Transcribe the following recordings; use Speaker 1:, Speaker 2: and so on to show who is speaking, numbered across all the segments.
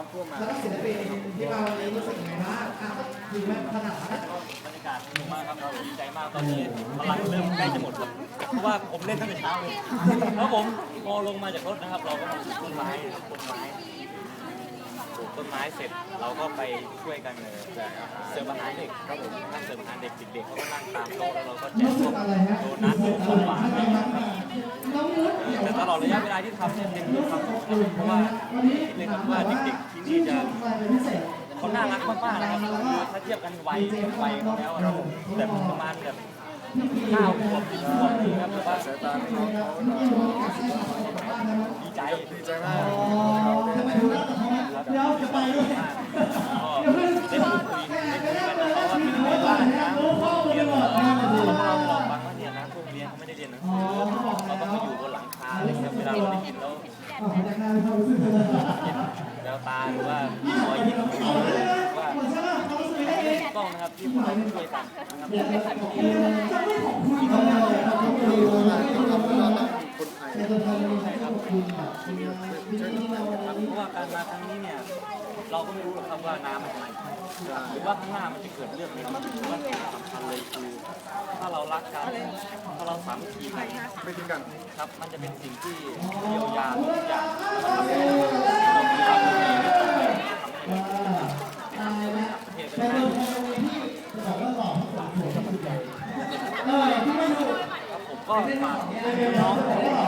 Speaker 1: ำท่วมมา
Speaker 2: แล้วศิลปินที่มาวันนี้รู้สึกยังไงบ้างถึงแม้ขนาดนั้น
Speaker 3: บรรยากาศดีมากครับเราดีใจมากตอนนี้พลังเริ่มใกล้จะหมดครับเพราะว่าผมเล่นตั้งแต่เช้าเลยแล้วผมพอลงมาจากรถนะครับเราก็มาปลูกต้นไม้ปลูกต้นไม้เสร็จเราก็ไปช่วยกันเสิร์ฟอาหารเด็กครับผมนั่งเสิร์ฟอาหารเด็กเด็กเขาก็นั่งตามโต๊ะแล้วเราก็แจกพวกโดนัทของหวานแต่ตลอดระยะเวลาที่ทำเนี่ยเป็นความสุขเพราะว่าเลยครับว่าเด็กๆที่นี่จะเขาน่ารักมากๆนะครับคือถ้าเทียบกันวัยเขาแล้วเราแบบประมาณแบบ9 ขวบ 10 ขวบนี่ครับแต่ว่า
Speaker 1: สายตาไม่น้องเขา
Speaker 3: ดีใจ
Speaker 1: มาก
Speaker 2: เดี๋ยวจะไปด้วย
Speaker 3: ได้พูดคุยกันเพราะว่าเป็นในบ้านนะเรียนเราบอกฟังว่าเนี่ยนะพวกเรียนเขาไม่ได้เรียนหนังสือเราต้องมาอยู่บนหลังคาเลยครับเวลาเราได้ยินแล้วแววตาหรือว่ารอยยิ้มว่าต้องนะครับที่พวกเราช่วยกันนะครับใช่ครับเพราะว่าการมาครั้งนี้เนี่ยเราก็ไม่รู้หรอกครับว่าน้ำมันไหลหรือว่าข้างหน้ามันจะเกิดเรื่องอะไรขึ้นว่าสิ่งสำคัญเลยคือถ้าเรารักกันถ้าเราสามัคคีกัน
Speaker 1: ไม่ทิ้งกัน
Speaker 3: ครับมันจะเป็นสิ่งที่เยียวยาทุกอย่างทำให้เรามีความสุขในต่อไปทำให้เราประเทศเป็นครับผมก็ฝากน้อง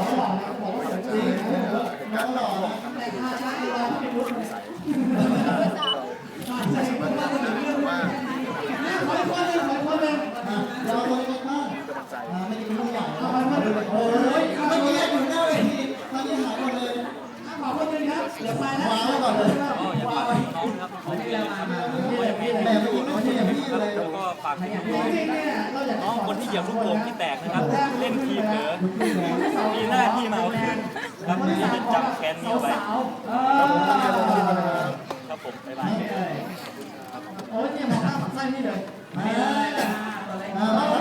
Speaker 2: เดี๋ยวไปแล้วก่อนเลย
Speaker 3: ก็อยากฝากน้องครับเขาเรียนครับแล้วก็ฝากน้องคนที่เหยียบลูกโป่งที่แตกนะครับเล่นทีเผลอมีหน้าที่มาเอาคืนครับที่จะจำแค้นนี้ไว้ครับผมบ๊ายบาย
Speaker 2: โอ้ยเนี่ยมองหน้าฝักไส้นี่เลย